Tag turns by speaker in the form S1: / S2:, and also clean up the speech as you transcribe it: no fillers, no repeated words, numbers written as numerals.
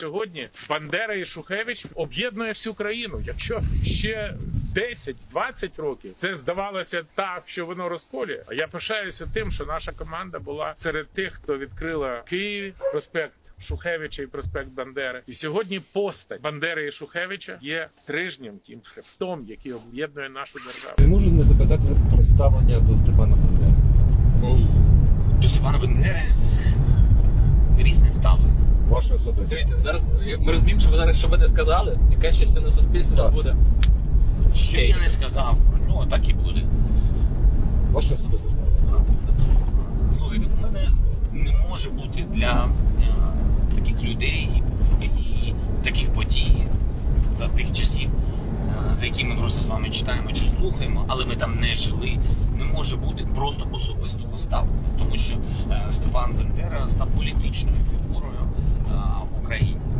S1: Сьогодні Бандера і Шухевич об'єднує всю країну. Якщо ще 10-20 років це здавалося так, що воно розколює. А я пишаюся тим, що наша команда була серед тих, хто відкрила Києві проспект Шухевича і проспект Бандери. І сьогодні постать Бандери і Шухевича є стрижнем, тим хребтом, який об'єднує нашу державу.
S2: Не можу не запитати про ставлення до Степана Бандери.
S3: До Степана Бандери різне ставлення.
S2: Ваше особисте.
S4: Дивіться, зараз ми розуміємо, що ви зараз що би не сказали, яка частина суспільства у нас буде.
S3: Що б я не сказав про нього, так і буде.
S2: Ваше особисте ставлення.
S3: Слухайте, у мене не може бути для таких людей і таких подій за тих часів, за які ми просто з вами читаємо чи слухаємо, але ми там не жили, не може бути просто особистого ставлення. Тому що Степан Бандера став політичною фігурою в Україні.